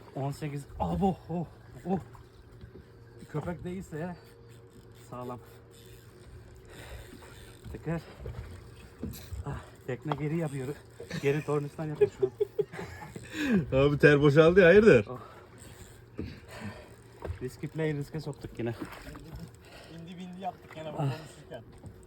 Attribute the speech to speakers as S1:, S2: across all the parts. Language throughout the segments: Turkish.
S1: 18. Abo. Oh. Oh. Köpek değilse sağlam. Tekrar. Tekne geri yapıyor. Geri tornistan yapıyor şu an.
S2: Abi ter boşaldı ya, hayırdır?
S1: Oh. Riski play riske soktuk yine.
S3: Bindi yaptık gene bu konuşurken.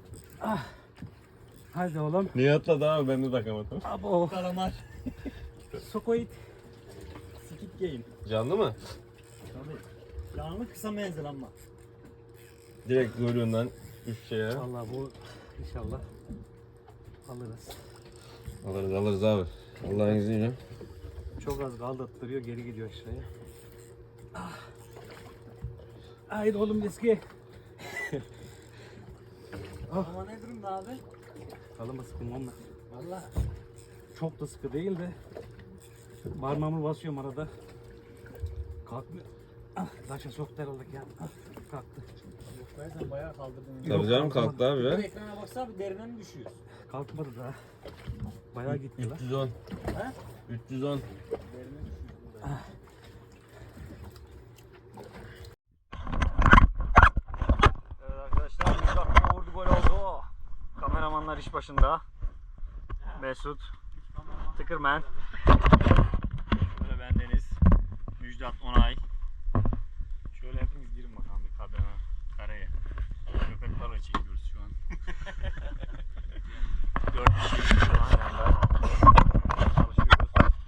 S1: Hadi oğlum.
S2: Niye atladı abi, ben de takamadım.
S1: Abo.
S3: Kalamar.
S1: Sokoit.
S3: Skit game.
S2: Canlı mı?
S3: Tabii. Canlı kısa menzil ama.
S2: Direkt kuyruğundan üç şeye.
S1: Vallahi bu inşallah alırız.
S2: Alırız abi. Allah'ın izniyle.
S1: Çok az kaldırttırıyor, geri gidiyor aşağıya. Haydi oğlum riski.
S3: Ama ne durumda abi?
S1: Kalın sıkım onunla.
S3: Valla.
S1: Çok da sıkı değil de parmağımı basıyorum arada. Kalkmıyor. Taşa soktu herhalde ya. Kalktı.
S3: Yok be, sen bayağı kaldırdın.
S2: Tabii canım, kalktı abi
S3: Bir
S2: ya.
S3: ekrana baksana bir derine mi düşüyor?
S1: Kalkmadı daha. Bayağı gitti lan.
S2: 310.
S3: He?
S2: 310.
S3: Derine düşüyor.
S4: Evet arkadaşlar, 100 dakika vurdu, gol oldu. Kameramanlar iş başında. Mesut, Tıkırmen. Böyle ben Deniz, Müjdat, Onay. Şöyle hepimiz girin bakalım bir kadına, kareye. Köpek balığı çekiyoruz şu an. 4 kişi aynı anda çalışıyoruz.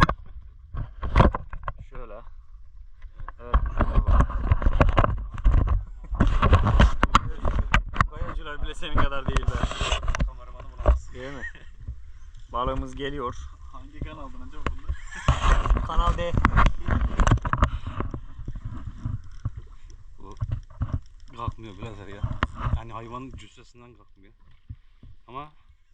S4: Şöyle. Evet, şöyle bak. Kayacılar bile senin kadar değil be.
S3: Kameramanı bulamazsın.
S4: Değil mi? Balığımız geliyor.
S3: Hangi kanaldan acaba bunlar?
S4: Kanal D.
S1: Bu kalkmıyor birader ya. Yani hayvanın cüssesinden kalkmıyor. Ama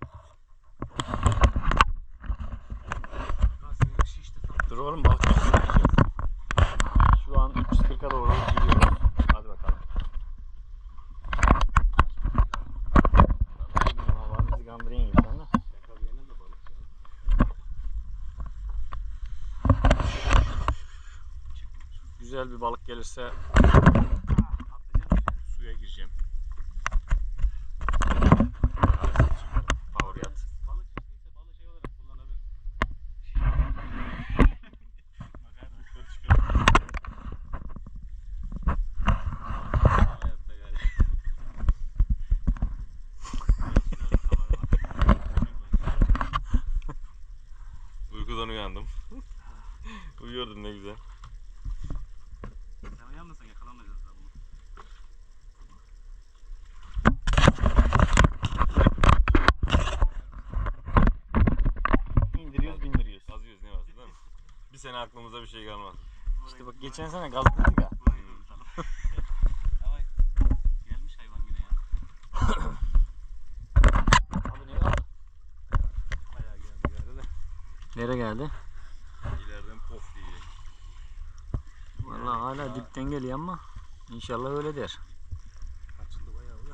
S4: Dur oğlum, balık tutacağız. Şu an 340'a doğru gidiyoruz. Hadi bakalım. Vallahi bizi kandırayım gibi sen de. Güzel bir balık gelirse suya gireceğim. Power yat.
S1: balık çıktıysa balığı şey olarak kullanabilir.
S2: Uykudan uyandım. Uyuyordum ne güzel.
S1: Sen uyanmasan yakalamayacağız daha bunu.
S4: İndiriyoruz, bindiriyoruz.
S2: Kazıyoruz, ne varsa değil mi? Bir sene aklımıza bir şey kalmaz.
S4: İşte bak, geçen sene gazladık ya.
S1: Ama gelmiş hayvan yine ya.
S4: Abi ne var?
S1: Bayağı geldi de.
S4: Nereye geldi?
S2: İleriden pof diyecek.
S4: Vallahi hala dipten geliyor ama inşallah öyle der.
S1: Açıldı bayağı da.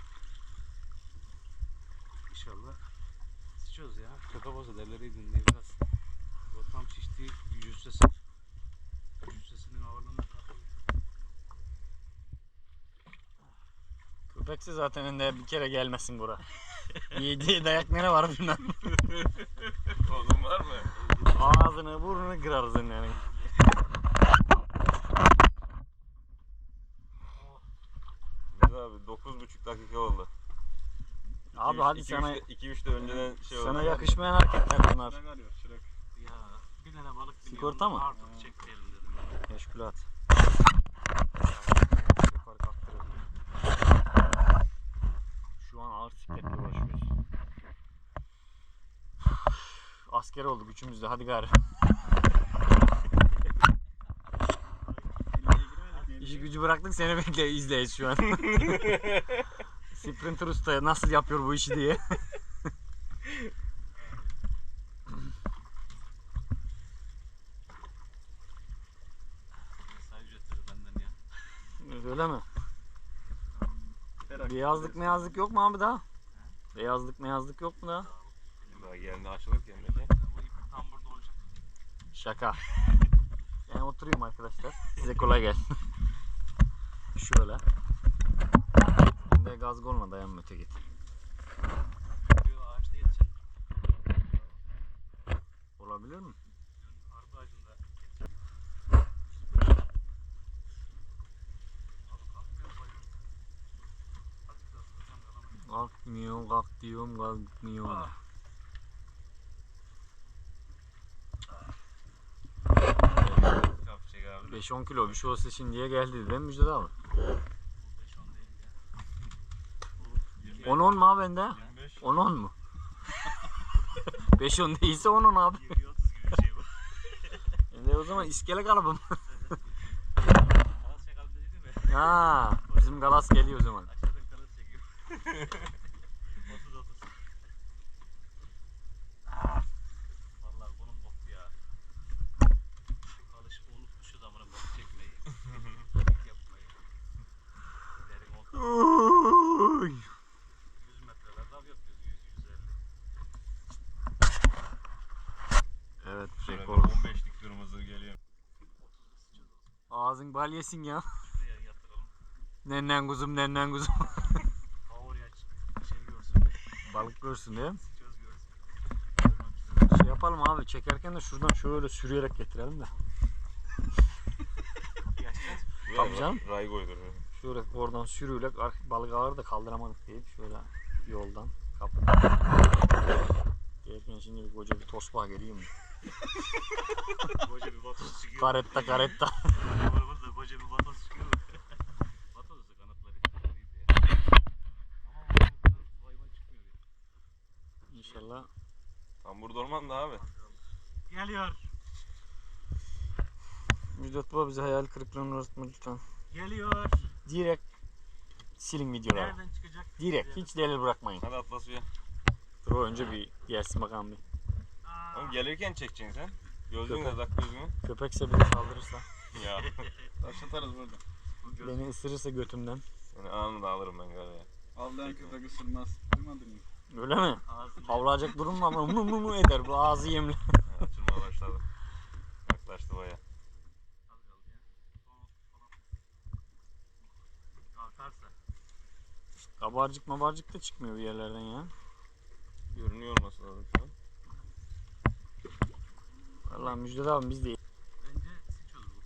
S1: İnşallah sıçıyoruz ya. Köpek olsa derleri dinleyi biraz. O tam şiştiği cüssesinin ağırlığından kalkıyor.
S4: Köpekse zaten önde bir kere gelmesin bura. Yediği dayak nere var bilmem.
S2: Oğlum var mı?
S4: Ağzını burnunu kırarız yani.
S2: Biz abi 9,5 dakika oldu.
S4: Abi hadi sana
S2: 2-3 de önceden şey oldu.
S4: sana yakışmayan hareketler bunlar.
S1: Ya bir tane balık
S4: Sigorta mı?
S1: Artık çekmeyelim dedim.
S4: Meşgul at. Yukarı kalktıralım. Şu an ağır sikletle uğraşıyoruz. Asker olduk üçümüz de, hadi gari. İşi gücü bıraktık, seni bekle izleyiz şu an. Sprinter Usta nasıl yapıyor bu işi diye.
S1: Mesai ücretleri benden ya.
S4: Öyle mi? Beyazlık yok mu abi daha? Beyazlık yok mu daha?
S2: Daha geldi açılık gelmedi.
S1: Bu ip tam burada olacak.
S4: Şaka. Ben oturuyorum arkadaşlar. Size kolay gelsin. Şöyle. Şimdi gaz goluna dayanma öte git.
S3: Ağaçta yetişen
S4: Olabilir mi?
S3: arpa ağacında.
S4: Kalkmıyor, kalk diyorum, kalkmıyor.
S2: Yapacak abi.
S4: 5-10 kilo bir şey olsa şimdiye geldi değil mi Müjdat abi? 10-10 mu abi bende?
S2: 25.
S4: 10-10 mu? 5-10 değilse 10-10 abi.
S3: 20-30 gibi bir şey bu.
S4: Şimdi o zaman iskele kalıbım.
S3: Kalas çakalım dedi mi?
S4: Ha, bizim galas geliyor o zaman.
S3: Aşağıdan kalas çekiyor. 30-30. Vallahi bunun boktu ya. Alışık unutmuşuz amına bok çekmeyi. Yapmayı. Derin oldu. 100 metrelerde av yapıyoruz. 100-150.
S4: Evet,
S2: Şöyle
S4: rekor.
S2: 15'lik kırmızı geliyor.
S3: 30'da sıçacağız o zaman.
S4: Ağzın bal yesin ya.
S3: Şuraya yatıralım.
S4: Nennen kuzum, nennen kuzum.
S3: Power yaç. Şey görsün.
S4: Balık görsün değil mi?
S3: Sıçıyoruz görsün.
S4: Şey yapalım abi, çekerken de şuradan şöyle sürüyerek getirelim de.
S3: Yaşlar.
S4: Tabii canım.
S2: Ray koydur.
S4: Şöyle oradan sürüyle balık ağır da kaldıramadık deyip şöyle yoldan kapı. Gelirken şimdi bir koca bir tosbağa geliyor mu?
S3: Koca bir vatoz çıkıyor.
S4: Karetta karetta.
S3: Kameramızda koca bir vatoz çıkıyor. Vatoz da kanatları iyiydi ya. Ama bu hayvan çıkmıyor ya.
S4: İnşallah.
S2: Tam burada olman da abi.
S3: Geliyor.
S4: Müjdat Baba bize hayal kırıklığına uğratma lütfen.
S3: Geliyor.
S4: Direkt silin videoları.
S3: Nereden çıkacak?
S4: Direkt hiç delil bırakmayın.
S2: Hadi atla suya.
S4: Dur o önce bir gelsin bakalım bir.
S2: Oğlum gelirken çekeceksin sen. Gözlüğünü de
S4: Köpek.
S2: tak gözlüğünü.
S4: Köpekse beni saldırırsa,
S2: Ya.
S3: Taş atarız burada.
S4: beni ısırırsa götümden.
S2: Yani anını da alırım ben galiba.
S3: Avlayan köpek ısırmaz. Duymadın mı?
S4: Öyle mi?
S3: Ağzını.
S4: Havlayacak durum mu ama mu eder bu ağzı yemli.
S2: Ha, açılmaya başladı. Yaklaştı baya.
S3: Az kaldı ya. Kalkarsa.
S4: Kabarcık da çıkmıyor bir yerlerden ya.
S2: Görünüyor olması lazım şu an.
S4: Vallahi Müjdat abi biz de
S3: Bence siç olur bu.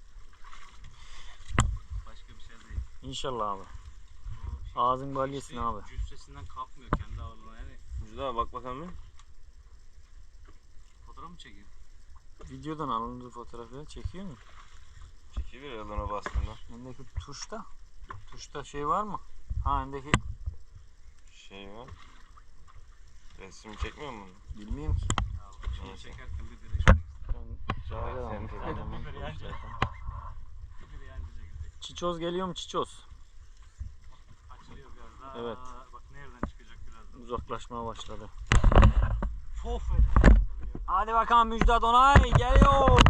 S3: Başka bir şey değil.
S4: İnşallah abi.
S3: Bu şey-
S4: Ağzın bal yesin abi.
S3: Cüssesinden kalkmıyor kendi ağırlığına yani.
S2: Müjde abi bak bakalım bir.
S3: Fotoğraf mı çekiyor?
S4: Videodan alındığı fotoğrafı çekiyor mu?
S2: Çekilir ya ona bastığında.
S4: Öndeki tuşta. Tuşta şey var mı? Ha öndeki
S2: Şey var. Resim çekmiyor mu bunu?
S4: bilmiyorum ki.
S3: Ya bu şeyi
S2: Neyse.
S3: çekerken bir birleşmek istedim.
S4: Ben cahil adamım.
S2: Sen-
S4: Anlamam.
S3: Bir yani bize girecek.
S4: Çiçoz geliyor mu çiçoz?
S3: Açılıyor biraz daha.
S4: Evet.
S3: Bak nereden çıkacak birazdan.
S4: Uzaklaşmaya başladı.
S3: Fof et.
S4: Hadi bakalım Müjdat Onay geliyor.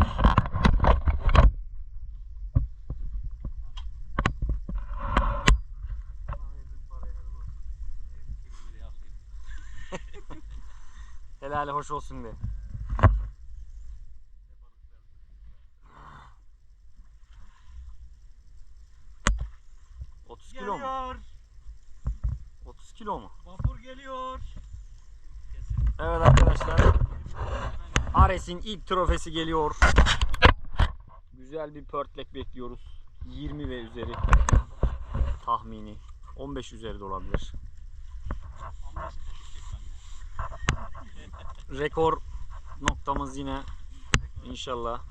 S4: Helali hoş olsun de. ...30 kilo mu?
S3: Geliyor.
S4: 30 kilo mu?
S3: Vapur geliyor.
S4: Evet arkadaşlar. Ares'in ilk trofesi geliyor. Güzel bir pörtlek bekliyoruz. 20 ve üzeri tahmini. 15 üzeri de olabilir. Rekor noktamız yine inşallah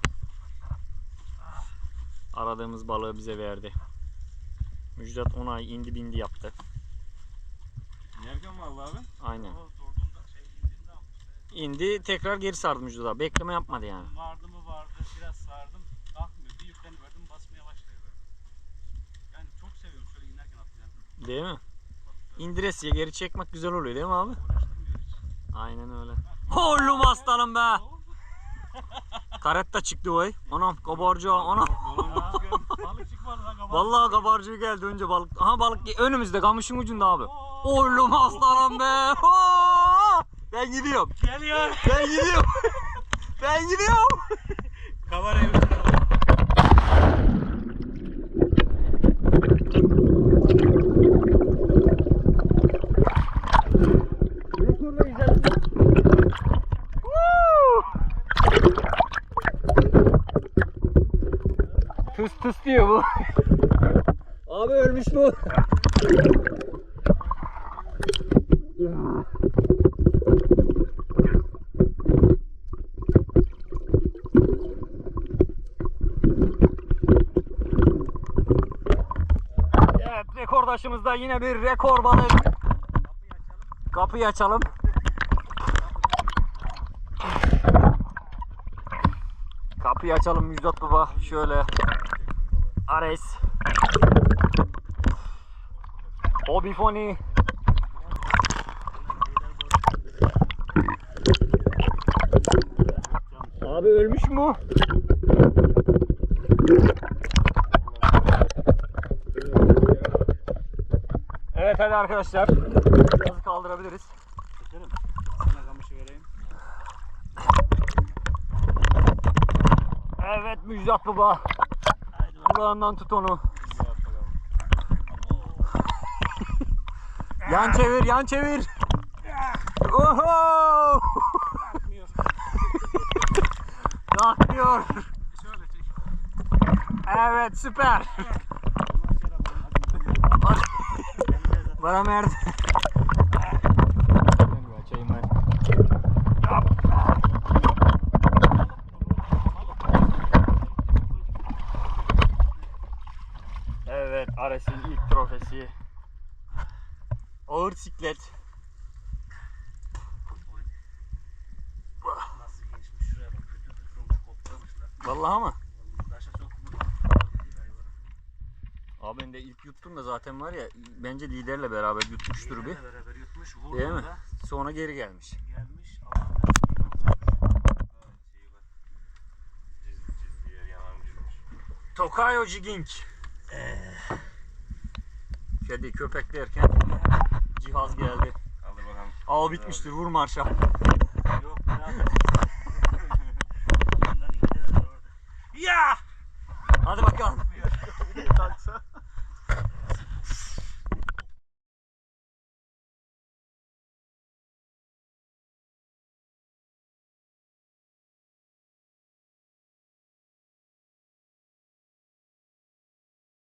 S4: aradığımız balığı bize verdi. Müjdat Onay indi bindi yaptı.
S2: Yerken mi aldı abi?
S4: Aynen.
S3: O sorduğunda şey indiğinde almıştı.
S4: İndi tekrar geri sardı Müjdat abi. Bekleme yapmadı yani.
S3: Vardı mı vardı. Biraz sardım. Kalkmıyor. Bir yükleniverdim. Basmaya başlıyor böyle. Yani çok seviyorum şöyle inerken atlayan.
S4: Değil mi? İndiresiye geri çekmek güzel oluyor değil mi abi?
S3: Uğraştırmıyor hiç.
S4: Aynen öyle. Oğlum aslanım be. Karetta çıktı vay. Anam kabarcığı anam.
S3: Balık çıkmadı lan kabahat.
S4: Vallahi kabarcığı geldi önce balık. Aha balık önümüzde kamışın ucunda abi. Oğlum aslanım be. Oo! Ben gidiyorum.
S3: Geliyor.
S4: Ben gidiyorum. Ben gidiyorum.
S3: Kamerayı uçuralım.
S4: Tıs tıs diyor bu. Abi ölmüş bu. Evet, rekordaşımızda yine bir rekor balık. Kapıyı açalım. Kapıyı açalım Müjdat Baba. Şöyle. Ares. Hobifoni. Abi ölmüş mü? Evet hadi arkadaşlar. Gazı kaldırabiliriz.
S3: Çekerim. Sana kamışı vereyim.
S4: Evet Müjdat Baba. Kulağından tut onu. Yan çevir, yan çevir. Oho! Kalkmıyor.
S3: Şöyle çek.
S4: Evet süper. Bana merdi. Açayım ben. Evet, Ares'in ilk trofesi. Ağır siklet.
S3: Nasıl gelişmiş şuraya bak. Kötü tutulmuş koklamışlar.
S4: Vallahi mı?
S3: Taşa sokmuş.
S4: Abi ben de ilk yuttum da zaten var ya, bence liderle beraber yutmuştur bir.
S3: Liderle beraber yutmuş.
S4: Değil mi?
S3: Vurduğunda
S4: Sonra geri gelmiş.
S3: gelmiş.
S2: Çizgi yer yanan girmiş.
S4: Tokayo Jigging. Kedi köpeklerken cihaz geldi.
S2: Kaldır bakalım.
S4: Av bitmiştir, vur marşa.